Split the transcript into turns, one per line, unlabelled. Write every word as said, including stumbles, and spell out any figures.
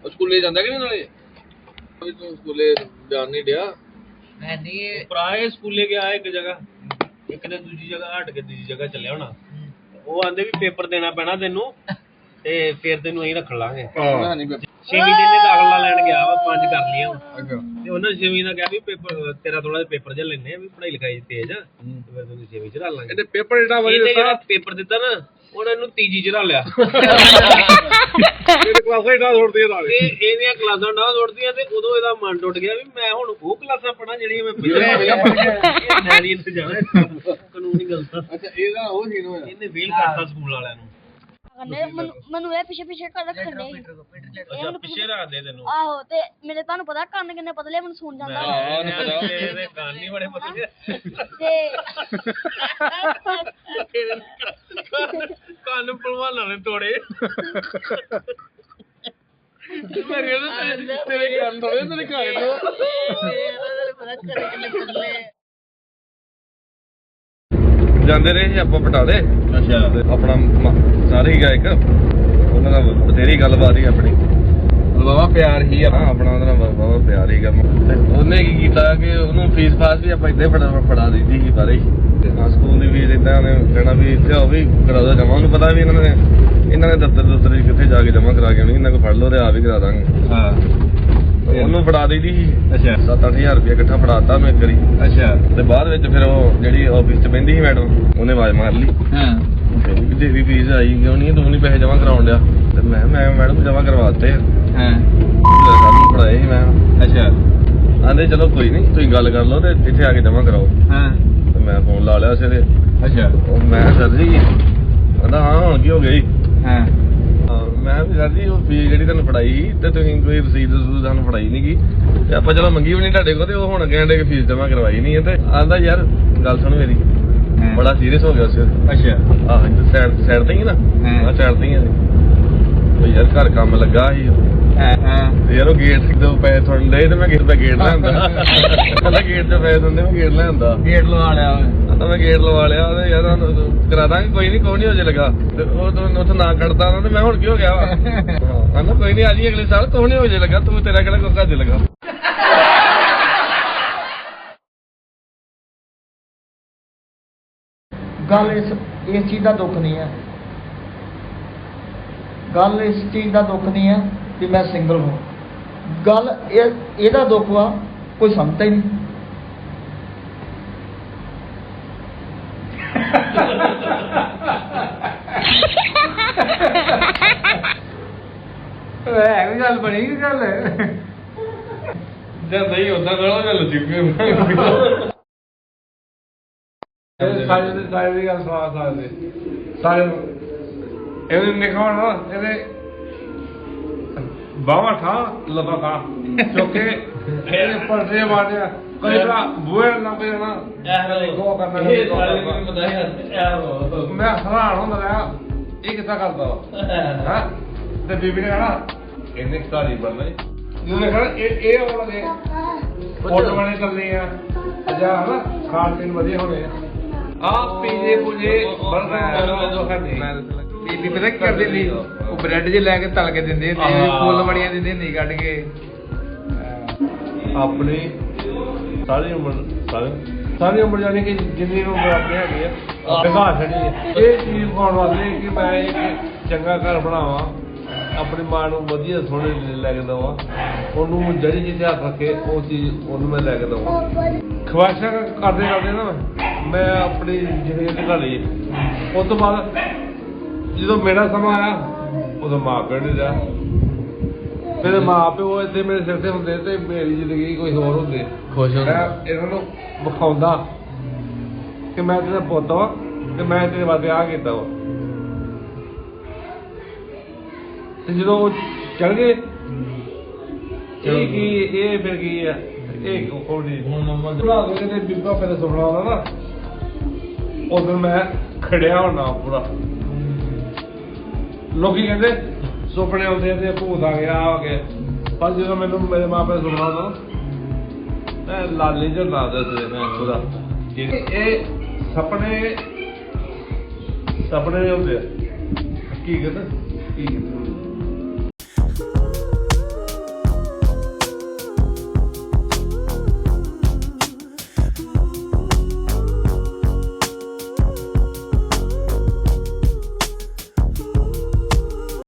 ਸਕੂਲੇ ਜਾਂਦਾ ਕਿ ਨਹੀਂ ਨਾਲੇ ਤੂੰ ਸਕੂਲੇ ਜਾਣ ਨਹੀਂ ਡਿਆ
ਮੈਂ ਨਹੀਂ
ਭਰਾ ਸਕੂਲੇ ਗਿਆ ਇੱਕ ਜਗ੍ਹਾ ਇੱਕ ਨੇ ਦੂਜੀ ਜਗ੍ਹਾ ਹਟ ਕੇ ਦੂਜੀ ਜਗ੍ਹਾ ਚੱਲਿਆ ਹੋਣਾ ਉਹ ਆਂਦੇ ਵੀ ਪੇਪਰ ਦੇਣਾ ਪੈਣਾ ਤੈਨੂੰ ਤੇ ਫਿਰ ਤੈਨੂੰ ਅਸੀਂ ਰੱਖ ਲਾਂਗੇ ਛੇਵੀਂ ਦਿਨ ਦੇ ਦਾਖਲਾ ਲੈਣ ਗਿਆ ਵਾ ਪੰਜ ਕਰ ਲਈਆਂ ਤੇ ਉਹਨਾਂ ਨੇ ਛੇਵੀਂ ਦਾ ਕਿਹਾ ਵੀ ਪੇਪਰ ਤੇਰਾ ਥੋੜਾ ਜਿਹਾ ਪੇਪਰ ਜਿਹਾ ਲੈਣੇ ਆ ਵੀ ਪੜ੍ਹਾਈ ਲਿਖਾਈ ਤੇਜ਼ ਆ ਤੇ ਫਿਰ ਤੈਨੂੰ ਛੇਵੀਂ ਚ ਰੱਖ ਲਾਂਗੇ
ਇਹਨੇ ਪੇਪਰ ਜਿਹੜਾ
ਇਹਨੇ ਜਿਹੜਾ ਪੇਪਰ ਦਿੱਤਾ ਨਾ ਉਹਨਾਂ ਇਹਨੂੰ ਤੀਜੀ ਚ ਰੱਖ ਲਿਆ
ਇਹ ਕਲਾਸਾਂ ਹੀ ਨਾ ਛੋੜਦੀਆਂ ਨਾਲ
ਤੇ ਇਹਦੀਆਂ ਕਲਾਸਾਂ ਨਾ ਛੋੜਦੀਆਂ ਤੇ ਉਦੋਂ ਇਹਦਾ ਮਨ ਟੁੱਟ ਗਿਆ ਵੀ ਮੈਂ ਹੁਣ ਉਹ ਕਲਾਸਾਂ ਪੜਾਂ ਜਿਹੜੀਆਂ ਮੈਂ ਪਹਿਲਾਂ ਮੈਂ ਨਹੀਂ ਇੱਥੇ ਜਾਣਾ ਕਾਨੂੰਨੀ ਗਲਤ
ਅੱਛਾ ਇਹਦਾ ਉਹ ਸੀਨ ਹੋਇਆ
ਇਹਨੇ ਫੇਲ ਕਰਤਾ ਸਕੂਲ ਵਾਲਿਆਂ ਨੂੰ
ਮੈਨੂੰ ਇਹ ਪਿੱਛੇ ਪਿੱਛੇ ਕਰ ਰੱਖਣੇ
ਅੱਛਾ ਪਿੱਛੇ ਰੱਖ ਦੇ ਤੈਨੂੰ
ਆਹੋ ਤੇ ਮੇਰੇ ਤੁਹਾਨੂੰ ਪਤਾ ਕੰਨ ਕਿੰਨੇ ਪਤਲੇ ਮੈਨੂੰ ਸੁਣ ਜਾਂਦਾ
ਇਹਦੇ ਕੰਨ ਹੀ ਬੜੇ ਪਤਲੇ
ਤੇ
ਕੰਨ ਭਲਵਾਨਾਂ ਨੇ ਤੋੜੇ
ਮੇਰੇ ਤੇਰੇ ਕੰਨ ਤੋੜੇ ਤੇਰੇ ਘਰ ਤੋਂ
ਪਤਾ ਕਰੇ ਕਿੰਨੇ ਪਤਲੇ
ਜਾਂਦੇ ਰਹੇ ਸੀ ਆਪਾਂ ਬਟਾਲੇ
ਅੱਛਾ
ਆਪਣਾ ਸਾਰੇ ਹੀ ਗਾਇਕ ਉਹਨਾਂ ਦਾ ਬਥੇਰੀ ਗੱਲਬਾਤ ਹੀ ਆਪਣੀ ਬਾਬਾ ਪਿਆਰ ਹੀ ਆ ਆਪਣਾ ਉਹਦੇ ਨਾਲ ਬਾਬਾ ਪਿਆਰ ਹੀ ਕੰਮ ਉਹਨੇ ਕੀ ਕੀਤਾ ਕਿ ਉਹਨੂੰ ਫੀਸ ਫਾਸ ਵੀ ਆਪਾਂ ਇੱਦਾਂ ਫੜਾ ਫੜਾ ਦਿੱਤੀ ਸੀ ਬਾਰੇ ਤੇ ਹਾਂ ਸਕੂਲ ਦੀ ਫੀਸ ਇੱਦਾਂ ਉਹਨੇ ਕਹਿਣਾ ਵੀ ਇੱਥੇ ਉਹ ਵੀ ਕਰਾ ਦੋ ਜਮਾ ਉਹਨੂੰ ਪਤਾ ਵੀ ਇਹਨਾਂ ਨੇ ਇਹਨਾਂ ਨੇ ਦਫ਼ਤਰ ਦਫ਼ਤਰ ਕਿੱਥੇ ਜਾ ਕੇ ਜਮਾ ਕਰਾ ਕੇ ਆਉਣੀ ਇਹਨਾਂ ਕੋਲ ਫੜ ਲਓ ਤੇ ਆ ਵੀ ਕਰਾ ਦਾਂਗੇ
ਹਾਂ
ਉਹਨੂੰ ਫੜਾ ਦੇਈਦੀ ਸੀ
ਅੱਛਾ
ਸੱਤ ਅੱਠ ਹਜ਼ਾਰ ਰੁਪਇਆ ਇਕੱਠਾ ਫੜਾਤਾ ਉਹਨੂੰ ਇੱਕ ਵਾਰੀ
ਅੱਛਾ
ਤੇ ਬਾਅਦ ਵਿੱਚ ਫਿਰ ਉਹ ਜਿਹੜੀ ਆਫਿਸ 'ਚ ਬਹਿੰਦੀ ਸੀ ਮੈਡਮ ਉਹਨੇ ਆਵਾਜ਼ ਮਾਰ ਲਈ
ਹਾਂ
ਕਹਿੰਦੀ ਤੇਰੀ ਫੀਸ ਆਈ ਕਿਉਂ ਨਹੀਂ ਤੂੰ ਨਹੀਂ ਪੈਸੇ ਜਮ੍ਹਾਂ ਕਰਾਉਣ ਡਿਆ ਤੇ ਮੈਂ ਮੈਂ ਮੈਡਮ ਜਮ੍ਹਾਂ ਕਰਵਾਤੇ ਆ
ਹਾਂ
ਸਾਨੂੰ ਫੜਾਏ ਸੀ ਮੈਂ
ਅੱਛਾ
ਆਂਦੇ ਚਲੋ ਕੋਈ ਨਹੀਂ ਤੁਸੀਂ ਗੱਲ ਕਰ ਲਓ ਤੇ ਇੱਥੇ ਆ ਕੇ ਜਮ੍ਹਾਂ ਕਰਾਓ
ਹਾਂ
ਤੇ ਮੈਂ ਫੋਨ ਲਾ ਲਿਆ ਉਸੇ ਤੇ
ਅੱਛਾ
ਉਹ ਮੈਂ ਸਰ ਜੀ ਕਹਿੰਦਾ ਹਾਂ ਹੁਣ ਕੀ ਹੋ ਗਿਆ ਜੀ
ਹਾਂ
ਮੈਂ ਵੀ ਸਰ ਜੀ ਉਹ ਫੀਸ ਜਿਹੜੀ ਤੁਹਾਨੂੰ ਫੜਾਈ ਸੀ ਤੇ ਤੁਸੀਂ ਕੋਈ ਰਸੀਦ ਰਸੂਦ ਸਾਨੂੰ ਫੜਾਈ ਨਹੀਂ ਗੀ ਤੇ ਆਪਾਂ ਚਲੋ ਮੰਗੀ ਵੀ ਨਹੀਂ ਤੁਹਾਡੇ ਕੋਲ ਤੇ ਉਹ ਹੁਣ ਕਹਿੰਦੇ ਕਿ ਫੀਸ ਜਮ੍ਹਾਂ ਕਰਵਾਈ ਨਹੀਂ ਹੈ ਤੇ ਆਂਦਾ ਯਾਰ ਗੱਲ ਸੁਣ ਮੇਰੀ ਬੜਾ ਸੀਰੀਅਸ ਹੋ ਗਿਆ ਉਸ
ਅੱਛਾ
ਆਹ ਸਾਈਡ ਸਾਈਡ ਤੇ ਹੀ ਨਾ ਆ ਸਾਈਡ ਤੇ ਹੀ ਆ ਉਹ ਯਾਰ ਘਰ ਕੰਮ ਲੱਗਾ ਸੀ
ਹਾਂ
ਯਾਰ ਉਹ ਗੇਟ ਤੋਂ ਪੈਸੇ ਥੋੜਨ ਦੇ ਤੇ ਮੈਂ ਗੇਟ ਤੇ ਗੇਟ ਲੈਂਦਾ ਕਹਿੰਦਾ ਗੇਟ ਤੇ ਪੈਸੇ ਦਿੰਦੇ ਮੈਂ ਗੇਟ ਲੈਂਦਾ
ਗੇਟ ਲਵਾ ਲਿਆ
ਕਹਿੰਦਾ ਮੈਂ ਗੇਟ ਲਵਾ ਲਿਆ ਤੇ ਯਾਰ ਕਰਾ ਦਾਂਗੇ ਕੋਈ ਨਹੀਂ ਕੋਈ ਨਹੀਂ ਹੋ ਜੇ ਲੱਗਾ ਤੇ ਉਹ ਤੋਂ ਉੱਥੇ ਨਾ ਕੱਢਦਾ ਨਾ ਤੇ ਮੈਂ ਹੁਣ ਕੀ ਹੋ ਗਿਆ ਵਾ ਕਹਿੰਦਾ ਕੋਈ ਨਹੀਂ ਆ ਜੀ ਅਗਲੇ ਸਾਲ ਕੋਈ ਨਹੀਂ ਹੋ ਜੇ ਲੱਗਾ ਤੂੰ ਤੇਰਾ ਕਿਹੜਾ ਕੋਈ ਘਰ ਲੱਗਾ
ਗੱਲ ਇਸ ਇਸ ਚੀਜ਼ ਦਾ ਦੁੱਖ ਨਹੀਂ ਹੈ ਗੱਲ ਇਸ ਚੀਜ਼ ਦਾ ਦੁੱਖ ਨਹੀਂ ਹੈ ਕਿ ਮੈਂ ਸਿੰਗਲ ਹਾਂ ਗੱਲ ਇਹ ਇਹਦਾ ਦੁੱਖ ਆ ਕੋਈ ਸਮਝਦਾ ਹੀ ਨਹੀਂ
ਹੈ ਵੀ ਗੱਲ ਬਣੀ ਕਿ ਗੱਲ
ਜਦ ਨਹੀਂ ਹੁੰਦਾ ਕਰੋ ਗੱਲ ਜਿੱਕੇ
ਸਾਰੇ ਦੇ ਸਾਰੇ ਦੀ ਗੱਲ ਸੁਣਾ ਸਕਦੇ ਸਾਰੇ ਇਹਨੇ ਨਿਖਾਉਣ ਨਾ ਇਹਦੇ ਬਾਵਾ ਠਾ ਲਬਾ ਖਾ ਕਿਉਂਕਿ ਇਹਦੇ ਪਰਦੇ ਮਾਰਿਆ ਕਈ ਵਾਰ ਬੂਹੇ ਲੱਗ ਜਾਣਾ ਇਹ ਕੋ ਕਰਨਾ ਇਹ ਸਾਰੇ ਨੂੰ ਪਤਾ ਹੈ ਮੈਂ ਹੈਰਾਨ ਹੁੰਦਾ ਰਿਹਾ ਇਹ ਕਿੱਦਾਂ ਕਰਦਾ ਹਾਂ ਤੇ ਬੀਬੀ ਨੇ ਕਹਣਾ ਇਹਨੇ ਸਾਰੀ ਬਣਨਾ ਜਿਹਨੇ ਕਹਣਾ ਇਹ ਇਹ ਆਉਣ ਲੱਗੇ ਫੋਟੋ ਬਣੇ ਚੱਲਨੇ ਆ ਅਜਾ ਹਨਾ ਖਾਣ ਪੀਣ ਵਧੀਆ ਹੋਣੇ ਆ ਆ ਪੀਜੇ ਪੁਜੇ ਬਰਗਰ
ਬੀਬੀ ਪਤਾ ਕੀ ਕਰਦੇ ਸੀ ਉਹ ਬ੍ਰੈਡ ਜੇ ਲੈ ਕੇ ਤਲ ਕੇ ਦਿੰਦੇ ਹੁੰਦੇ ਫੁੱਲ ਬੜੀਆਂ ਦਿੰਦੇ ਹੁੰਦੇ ਕੱਢ ਕੇ
ਆਪਣੀ ਸਾਰੀ ਉਮਰ ਸਾਰੀ ਸਾਰੀ ਉਮਰ ਜਾਨੀ ਕਿ ਜਿੰਨੀ ਉਮਰ ਆਪਣੀ ਹੈਗੀ ਆ ਦਿਖਾ ਛੜੀ ਹੈ ਇਹ ਚੀਜ਼ ਪਾਉਣ ਵਾਸਤੇ ਕਿ ਮੈਂ ਇੱਕ ਚੰਗਾ ਘਰ ਬਣਾਵਾਂ ਆਪਣੀ ਮਾਂ ਨੂੰ ਵਧੀਆ ਸੋਹਣੇ ਲੈ ਕੇ ਦੇਵਾਂ ਉਹਨੂੰ ਜਿਹੜੀ ਜਿੱਥੇ ਹੱਥ ਰੱਖੇ ਉਹ ਚੀਜ਼ ਉਹਨੂੰ ਮੈਂ ਲੈ ਕੇ ਦੇਵਾਂ ਖਵਾਇਸ਼ਾਂ ਕਰਦੇ ਕਰਦੇ ਨਾ ਮੈਂ ਆਪਣੀ ਜ਼ਿੰਦਗੀ ਨਿਕਲ ਲਈ ਉਸ ਤੋਂ ਬਾਅਦ ਜਦੋਂ ਮੇਰਾ ਸਮਾਂ ਆਇਆ ਉਦੋਂ ਮਾਂ ਪਿਓ ਨਹੀਂ ਰਿਹਾ ਮੇਰੇ ਮਾਂ ਪਿਓ ਇੱਥੇ ਮੇਰੇ ਸਿਰ ਤੇ ਹੁੰਦੇ ਤੇ ਮੇਰੀ ਜ਼ਿੰਦਗੀ ਕੋਈ ਹੋਰ ਹੁੰਦੇ
ਖੁਸ਼
ਮੈਂ ਇਹਨਾਂ ਨੂੰ ਵਿਖਾਉਂਦਾ ਕਿ ਮੈਂ ਤੇਰਾ ਪੁੱਤ ਵਾਂ ਤੇ ਮੈਂ ਤੇਰੇ ਵਾਸਤੇ ਆਹ ਕੀਤਾ ਵਾ ਤੇ ਜਦੋਂ ਉਹ ਚਲ ਗਏ ਇਹ ਕੀ ਇਹ ਫਿਰ ਕੀ ਆ ਇਹ ਕੋਣੀ ਹੁਣ ਨੰਬਰ ਬਣਾ ਦੇ ਤੇ ਬੀਬਾ ਪਹਿਲੇ ਸੁਪਨਾ ਆਉਂਦਾ ਨਾ ਉਦੋਂ ਮੈਂ ਖੜਿਆ ਹੋਣਾ ਪੂਰਾ ਲੋਕੀ ਕਹਿੰਦੇ ਸੁਪਨੇ ਆਉਂਦੇ ਆ ਤੇ ਭੂਤ ਆ ਗਿਆ ਆ ਗਿਆ ਪਰ ਜਦੋਂ ਮੈਨੂੰ ਮੇਰੇ ਮਾਪੇ ਸੁਪਨਾ ਆਉਂਦਾ ਮੈਂ ਲਾਲੀ ਜੋ ਲਾ ਦੱਸਦੇ ਮੈਂ ਪੂਰਾ ਇਹ ਸੁਪਨੇ ਸੁਪਨੇ ਹੁੰਦੇ ਆ ਕੀ ਕਹਿੰਦੇ ਕੀ ਕਹਿੰਦੇ